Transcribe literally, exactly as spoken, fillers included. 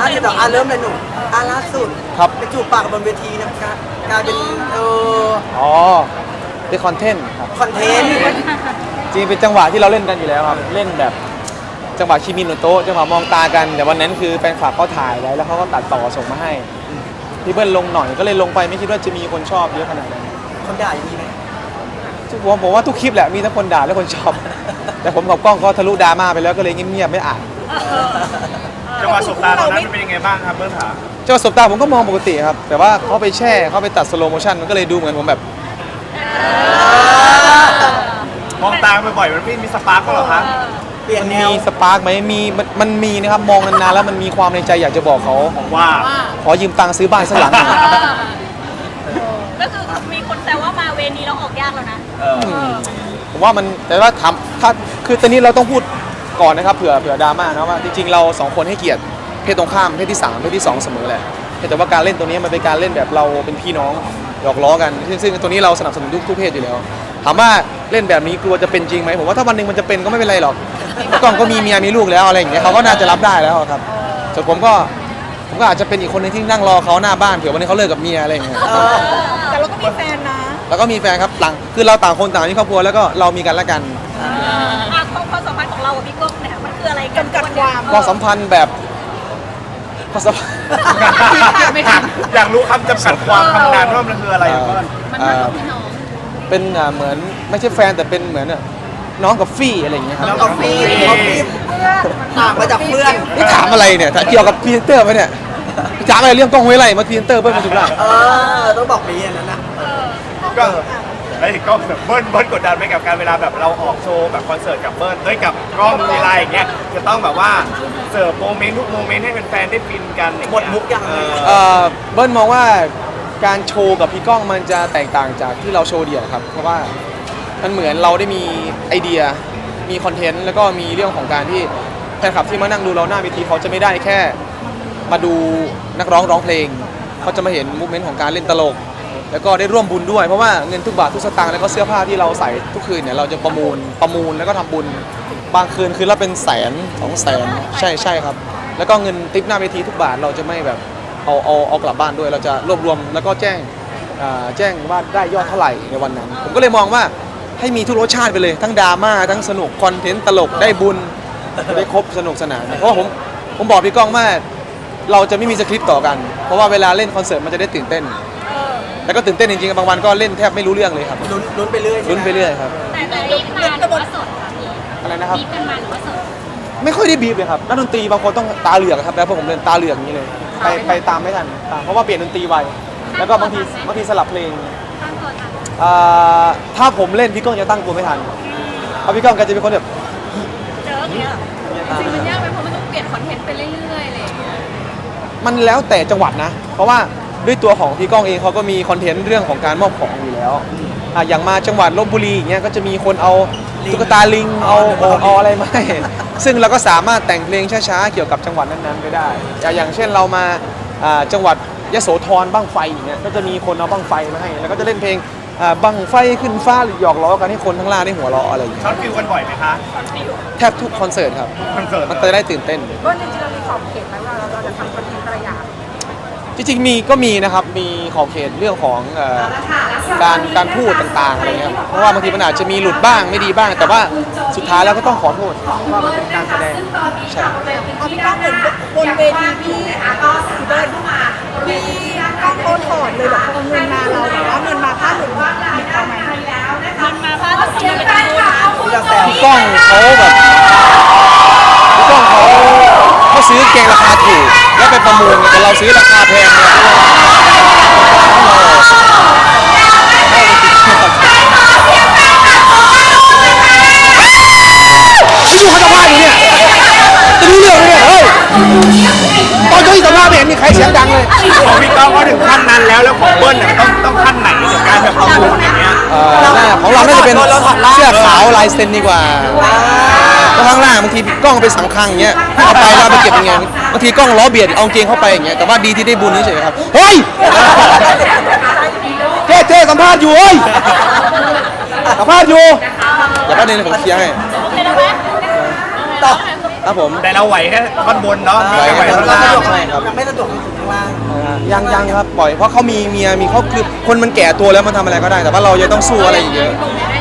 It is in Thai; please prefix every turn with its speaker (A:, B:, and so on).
A: าที่ต่ออ่ะเริ่มเลยหนูอ่ะล่าสุด
B: ครับ
A: ไปจูบปากบนเวทีนะครับกลายเป็นเออ
B: อ๋อเป็นคอนเทนต์ครับ
A: คอนเทนต์
B: จริงเป็นจังหวะที่เราเล่นกันอยู่แล้วครับเล่นแบบจังหวะชิมิโนโตะจังหวะมองตากันแต่วันนั้นคือแฟนคลับเขาถ่ายไว้แล้วเขาก็ตัดต่อส่งมาให้พี่เบิ้ลลงหน่อยก็เลยลงไปไม่คิดว่าจะมีคนชอบเยอะขนาดนั้น
A: คนด่าอย่างนี้ไหม
B: ผมผมว่าทุกคลิปแหละมีทั้งคนด่าและคนชอบ แต่ผมกับกล้องก็ทะลุดราม่าไปแล้วก็เลยเงียบๆไม่อ่าน
C: จังหวะสบตาตอนนั้นเป็นยังไงบ้างครับเบิ้ลขา
B: จังหวะสบตาผมก็มองปกติครับแต่ว่าเขาไปแช่เขาไปตัดสโลโมชั่นมันก็เลยดูเหมือนผมแบบ
C: มองตาบ่อยๆมันไม่มีสปาร์กก็หรอครับ
A: เปลี่ยน
B: มัน
A: แน
B: มี
A: ว
B: สปาร์กไหมมีมันมันมีนะครับมองนานๆแล้วมันมีความในใจอยากจะบอกเขา
C: ผมว่า
B: ขอยืมตังค์ซื้อบ้านสักหลังหนึ่ง
D: ก็คือมีคนแซวว่ามาเวนี้เราออกยากแล้วนะ
B: ผมว่ามันแต่ว่าทำถ้าคือตอนนี้เราต้องพูดก่อนนะครับเผื่อเผื่อดราม่านะว่าจริงๆเราสองคนให้เกียรติเพศตรงข้ามเพศที่สามเพศที่สองเสมอแหละแต่ว่าการเล่นตัวนี้มันเป็นการเล่นแบบเราเป็นพี่น้องหยอกล้อกันซึ่งซึ่งตัวนี้เราสนับสนุนทุกทุกเพศอยู่แล้วถามว่าเล่นแบบนี้กลัวจะเป็นจริงไหมผมว่าถ้าวันหนึ่งมันจะเป็นก็ไม่เป็นไรหรอกกล้องก็มีเมียมีลูกแล้วอะไรอย่างเงี้ยเขาก็น่าจะรับได้แล้วครับส่วนผมก็ผมก็อาจจะเป็นอีกคนนึงที่นั่งรอเขาหน้าบ้านเผื่อวันนี้เขาเลิกกับเมียอะไรอย่างเงี้ย
D: แต่เราก็มีแฟนนะ
B: แล้วก็มีแฟนครับต่างคือเราต่างคนต่างมีครอบครัวแล้วก็เรามีกันและกัน
D: อ่ะความสัมพันธ์ของเรากับพี่ก้องเนี่ยมันคืออะไรกันกัดความ
B: ความสัมพันธ์แบบความสัมพันธ์
C: อยากรู้คำจำกัดความคำนานว่ามันคืออะไรเบิ้ล
B: เอ่อเป็นอ่าเหมือนไม่ใช่แฟนแต่เป็นเหมือนอ่ะน้องกับฟี่อะไรอย่างเงี้ยครับ
A: น้องกาแฟกาแฟต่างมาจากเพื่อน
B: นี่ถามอะไรเนี่ยถ้าเกี่ยวกับพรีเซนเตอร์ไหมเนี่ยถามอะไรเรื่องกล้องห้วยไร่มาพรีเซนเตอร์เบิ้ลมาจุฬา
A: เออต้องบอกนี้อย่างนั้นนะ
C: ก็ไอ้กล้องแบบเบิ้ลเบิ้ลกดดันไหมกับการเวลาแบบเราออกโชว์แบบคอนเสิร์ตกับเบิ้ลด้วยกับกล้องมีไลน์อย่างเงี้ยจะต้องแบบว่าเสิร์ฟโมเมนต์ทุกโมเมนต์ให้แฟนๆได้ฟินกันอย่าง
A: หม
C: เงี้
A: ดมุกยัง
C: เออ
B: เอ่อเบิ้ลมองว่าการโชว์กับพี่ก้องมันจะแตกต่างจากที่เราโชว์เดี่ยวครับเพราะว่ามันเหมือนเราได้มีไอเดียมีคอนเทนต์แล้วก็มีเรื่องของการที่แฟนคลับที่มานั่งดูเราหน้าเวทีเขาจะไม่ได้แค่มาดูนักร้องร้องเพลงเขาจะมาเห็นมูฟเมนต์ของการเล่นตลกแล้วก็ได้ร่วมบุญด้วยเพราะว่าเงินทุกบาททุกสตางค์แล้วก็เสื้อผ้าที่เราใส่ทุกคืนเนี่ยเราจะประมูลประมูลแล้วก็ทำบุญบางคืนคืนละเป็นแสนสองแสนใช่ใช่ครับแล้วก็เงินทิปหน้าเวทีทุกบาทเราจะไม่แบบเอาเอาเอากลับบ้านด้วยเราจะรวบรวมแล้วก็แจ้งอ่าแจ้งว่าได้ยอดเท่าไหร่ในวันนั้นผมก็เลยมองว่าให้มีทุกรสชาติไปเลยทั้งดราม่าทั้งสนุกคอนเทนต์ตลกได้บุญได้ครบสนุกสนานเพราะว่าผมผมบอกพี่ก้องว่าเราจะไม่มีสคริปต์ต่อกันเพราะว่าเวลาเล่นคอนเสิร์ตมันจะได้ตื่นเต้นแล้วก็ตื่นเต้นจริงๆบางวันก็เล่นแทบไม่รู้เรื่องเลยครับ
A: ลุ้นลุ้นไปเรื่อย
B: ลุ้นไปเรื่อยครับ
D: แต่แต่รีบมาหรือว่าสดค่ะพี่
B: อะไรนะครับ
D: รีบกันมาหรือว่าสด
B: ไม่ค่อยได้บีบเลยครับนักดนตรีบางคนต้องตาเหลือกครับแล้วพวกผมเล่นตาเหลือกอย่างนี้เลยไปไปตามไม่ทันตามเพราะว่าเปลี่ยนดนตรีไวแล้วก็บางทีบางทีสลับเพลง
D: ตั้งตัวทัน
B: อ่าถ้าผมเล่นพี่ก้องจะตั้งตัวไม่ทันเพราะพี่ก้องแกจะเป็นคนแบบ
D: เจอเนี่ย
E: จริงมันยากไหมเพราะมันต้องเปลี่ยนคอนเทนต์ไปเรื่อยๆเลย
B: มันแล้วแต่จังหวัดนะ เพราะว่าด้วยตัวของพี่ก้องเองเขาก็มีคอนเทนต์เรื่องของการมอบของอยู่แล้วอ่ะอย่างมาจังหวัดลบบุรีอย่างเงี้ยก็จะมีคนเอาตุ๊กตาลิงเอาเอาเอาอะไรมาให้ซึ่งเราก็สามารถแต่งเพลงช้าๆเกี่ยวกับจังหวัดนั้นๆไปได้อย่างอย่างเช่นเรามาอ่าจังหวัดยโสธรบั้งไฟอย่างเงี้ยก็จะมีคนเอาบั้งไฟมาให้แล้วก็จะเล่นเพลงอ่าบั้งไฟขึ้นฟ้าหรือหยอกล้อกันให้คนทั้งล่างได้หัวเราะอะไรอย่างเงี้ย
C: ช็อตฟิลกันบ่อยไหมคะ
B: แทบทุกคอนเสิร์ตครับ
C: คอนเสิร์ต
B: มันจะได้ตื่นเต้น
E: ก็จริงๆเรามีขอบเขตไหมว่าเราจะทำคอนเทนต์แต่ละอย่าง
B: จริงๆมีก็มีนะครับมีขอบเขตเรื่องของเอ่อการการพูดต่างๆอะไรเงี้ยเพราะว่าบางทีมันอาจจะมีหลุดบ้างไม่ดีบ้าง แต่ว่าสุดท้ายแล้วก็ต้องขอโทษว่ามันเป็นการแสดงใช่
D: เอาพี่ก้องเหมือนบนเวทีพี่พี่เบิ้ลมีก้องโอนถอดเลยแบบเอาเงินมาเราแต่ว่าเงินมาค่าหนุนมีเขาไหมเงินมาค่าหนุนมีเป็นทุน
A: ๆอยากแซว
B: พี่ก้องเขาแบบพี่ก้องเขาเขาซื้อเกงราคาถูกแล้วไปประมูลแต่เราซื้อราคาแพงเนี่ยไม่รู้เขาจะว่าอยู่เนี่ยจะรู้เรื่องไหมเนี่ยเฮ้ยตอนเจ้าที่สัมภาษณ์ไม่เห็นมีใครเสียงดังเลย
C: ของพี่ก้องก็ถึงขั้นนั้นแล้วแล้วของเบิ้ลน่ะต้องต้องขั้นไหนกับการแบบประมูลอย่างเงี้ย
B: เอ่อน่าของเราน่าจะเป็นเสื้อขาวลายเซ็นดีกว่าเพราะข้างล่างบางทีกล้องไปสังคังอย่างเงี้ยเอาไปแล้วไปเก็บยังไงบางทีกล้องล้อเบียดเอาเกงเข้าไปอย่างเงี้ยแต่ว่าดีที่ได้บุญเฉยๆครับเฮ้ยเจ๊เจ๊สัมภาษณ์อยู่เฮ้ยสัมภาษณ์อยู่อย่าแป๊บนึงผมเคลียร์ให้
D: โอเคแล้วไหม
A: ต่อ
B: ครับผม
C: แต่เราไหวแค่ท่อนบนเนาะ
B: ไหว
C: ไม่ไหว
B: แค่
C: ท่อน
B: ท่อนล่า
C: ล่าง ง
B: ใช่ครับครับ
A: ยังไม่สะดวกลงถึงข้างล่าง
B: นะฮะยังยังครับปล่อยเพราะเขามีเมียมีเขาคือคนมันแก่ตัวแล้วมันทำอะไรก็ได้ แต่ว่าเรายังต้องสู้อะไรอีกเยอะ
E: ลงได้